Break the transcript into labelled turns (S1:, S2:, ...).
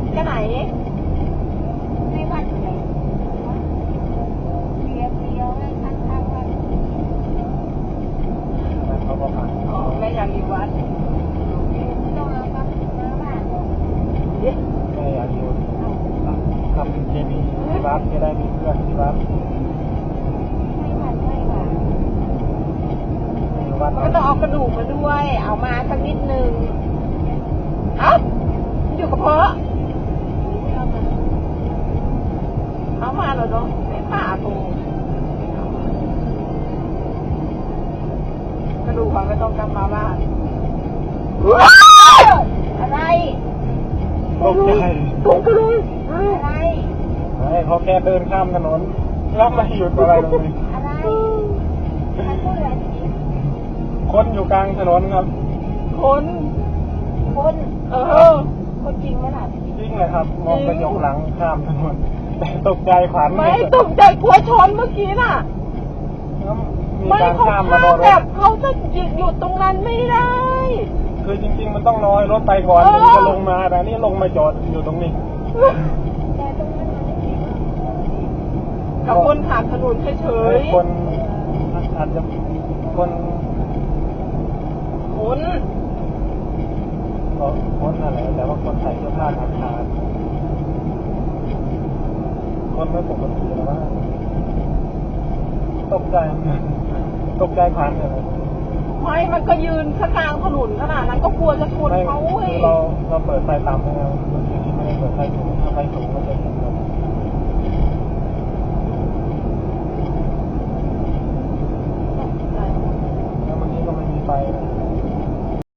S1: จะไหน
S2: ไม่วัดเลยเดียวเลยข้างวัด
S3: เขาก็ผ่าน
S1: อ๋อแม่อยากอยู่วัด
S2: ต้องเอาครับมาบ้าน
S3: ไม่อยากอยู่ทำเคมีที่วัดจะได้มีเพื่อนที่วัด
S2: ไม่วัด
S3: อยู่วัด
S1: ก็ต้องเอากระดูกมาด้วย เอามาสักนิดนึงเอ้าอยู่กับพ่อเอามาเหรอเนาะไม่ป่าตูกระดูกเขาไม่ต้องกลับมาบ้านอะไร
S3: ตกใจ
S1: ตกกระดูกอะไร
S3: เขาแค่เดินข้ามถนนแล้วมาหยุดอะไรตรงนี้
S2: อะไรมันก็เหลือจริง
S3: คนอยู่กลางถนนครับ
S1: คนคนจริงไหมล่ะ
S3: จริงเลยครับ มองกระจกหลังข้ามถนนแต่ตกใจขวัญ
S1: ไม่ตกใจกลัวชนเมื่อกี้น่ะ
S3: มี
S1: ไม่
S3: การ
S1: เขา
S3: ข้าม
S1: ข้า
S3: มาโด
S1: ม
S3: นร
S1: แบ
S3: ถ
S1: บเขาจะหยุดตรงนั้นไม่ได้
S3: คือจริงๆมันต้องรอให้รถไปก่อนถึงจะลงมาแต่นี่ลงมาจอดอยู่ตรงนี้
S2: แต่ตรงนั้นมันไม่มี
S1: กับคนผ่านถนนเฉย
S3: คนอาจจะคน
S1: ๆคน
S3: คนอะไรแต่ว่าคนใส่เสื้อผ้าขาดคนไม่ปกติหรือว่าตกใจผ่านเลย
S1: ไม่มันก็ยืนข้างกลางถนนขนาดนั้นก็กลัวจะชน
S3: ไม่
S1: เขาเว้ย
S3: คือเราเปิดไฟต่ำนะครับไม่ได้เปิดไฟสูงถ้าไฟสูงก็จะเห็นเลยแล้ววันนี้ก็ไม่มีไฟนะ